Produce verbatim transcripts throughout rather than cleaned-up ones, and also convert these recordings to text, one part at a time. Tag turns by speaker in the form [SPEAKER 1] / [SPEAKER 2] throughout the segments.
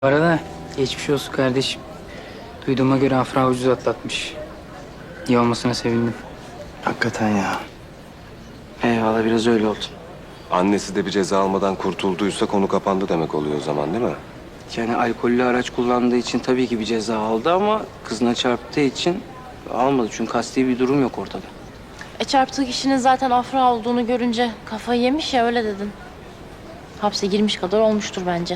[SPEAKER 1] Bu arada geçmiş olsun kardeşim. Duyduğuma göre Afra ucuz atlatmış. İyi olmasına sevindim.
[SPEAKER 2] Hakikaten ya. Eyvallah, biraz öyle oldu.
[SPEAKER 3] Annesi de bir ceza almadan kurtulduysa konu kapandı demek oluyor o zaman, değil mi?
[SPEAKER 2] Yani alkollü araç kullandığı için tabii ki bir ceza aldı ama kızına çarptığı için almadı. Çünkü kasti bir durum yok ortada.
[SPEAKER 4] E çarptığı kişinin zaten Afra olduğunu görünce kafayı yemiş ya, öyle dedin. Hapse girmiş kadar olmuştur bence.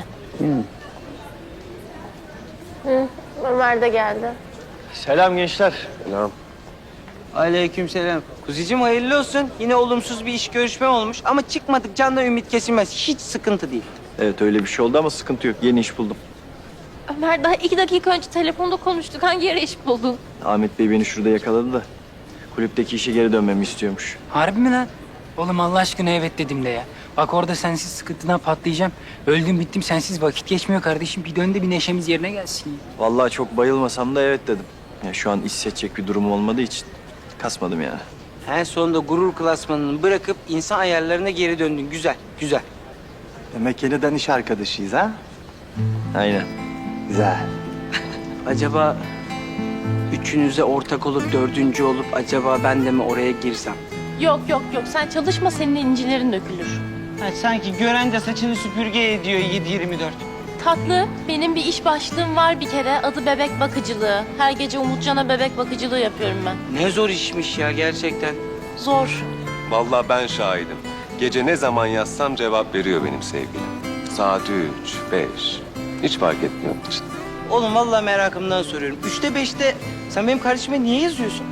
[SPEAKER 4] Hı, Ömer de geldi.
[SPEAKER 5] Selam gençler.
[SPEAKER 3] Selam.
[SPEAKER 6] Aleykümselam. Kuzicim hayırlı olsun. Yine olumsuz bir iş görüşme olmuş ama çıkmadık candan ümit kesilmez. Hiç sıkıntı değil.
[SPEAKER 5] Evet öyle bir şey oldu ama sıkıntı yok. Yeni iş buldum.
[SPEAKER 4] Ömer, daha iki dakika önce telefonda konuştuk. Hangi yere iş buldun?
[SPEAKER 5] Ahmet Bey beni şurada yakaladı da kulüpteki işe geri dönmemi istiyormuş.
[SPEAKER 1] Harbi mi lan? Oğlum Allah aşkına evet dedim de ya. Bak orada sensiz sıkıntıdan patlayacağım. Öldüm bittim sensiz vakit geçmiyor kardeşim. Bir dön de bir neşemiz yerine gelsin ya.
[SPEAKER 5] Vallahi çok bayılmasam da evet dedim. Ya şu an iş seçecek bir durum olmadığı için kasmadım yani.
[SPEAKER 6] En sonunda gurur klasmanını bırakıp insan ayarlarına geri döndün. Güzel, güzel.
[SPEAKER 2] Demek yeniden iş arkadaşıyız ha?
[SPEAKER 5] Aynen.
[SPEAKER 2] Güzel.
[SPEAKER 6] Acaba üçünüze ortak olup dördüncü olup acaba ben de mi oraya girsem?
[SPEAKER 4] Yok yok yok, sen çalışma, senin incilerin dökülür.
[SPEAKER 6] Ha, sanki gören de saçını süpürge ediyor yedi yirmi dört.
[SPEAKER 4] Tatlı, benim bir iş başlığım var bir kere. Adı bebek bakıcılığı. Her gece Umutcan'a bebek bakıcılığı yapıyorum ben.
[SPEAKER 6] Ne zor işmiş ya gerçekten.
[SPEAKER 4] Zor.
[SPEAKER 3] Vallahi ben şahidim. Gece ne zaman yazsam cevap veriyor benim sevgilim. Saat üç, beş. Hiç fark etmiyor için.
[SPEAKER 6] Oğlum vallahi merakımdan soruyorum. Üçte beşte sen benim kardeşime niye yazıyorsun?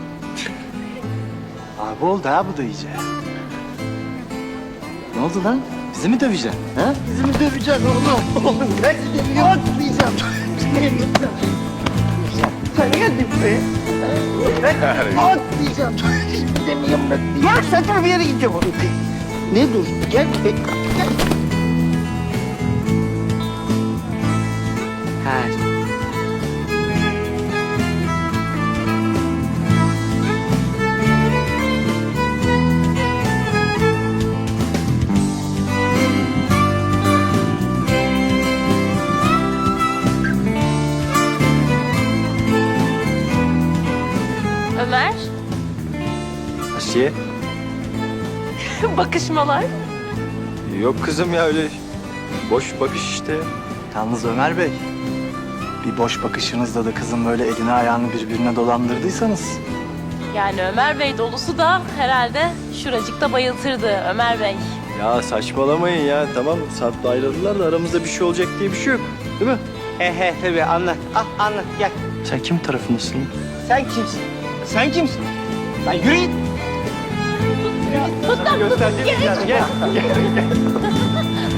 [SPEAKER 2] Abi oldu ha bu da iyice. Ne oldu lan? Bizi mi döveceksin? Ha? Bizi mi döveceksin oğlum? Oğlum ben seni atlayacağım. Sen geldin be. Ben atlayacağım. Demiyorum ben. Ya saçma bir yere gideceğim oğlum. Ne dur? Gel. Gel.
[SPEAKER 6] Ha.
[SPEAKER 4] Ömer,
[SPEAKER 5] Asiye?
[SPEAKER 4] bakışmalar.
[SPEAKER 5] Yok kızım ya öyle boş bakış işte.
[SPEAKER 2] Yalnız Ömer Bey, bir boş bakışınızda da kızın böyle elini ayağını birbirine dolandırdıysanız...
[SPEAKER 4] Yani Ömer Bey dolusu da herhalde şuracıkta bayıltırdı Ömer Bey.
[SPEAKER 5] Ya saçmalamayın ya tamam Sarp'la ayrıldılar da aramızda bir şey olacak diye bir şey yok. Değil mi?
[SPEAKER 6] He he tabii anlat. Ah anlat gel.
[SPEAKER 2] Sen kim tarafındasın?
[SPEAKER 6] Sen kimsin? Sen kimsin? Lan yürü git.
[SPEAKER 4] Tut lan, tut, tut, gel.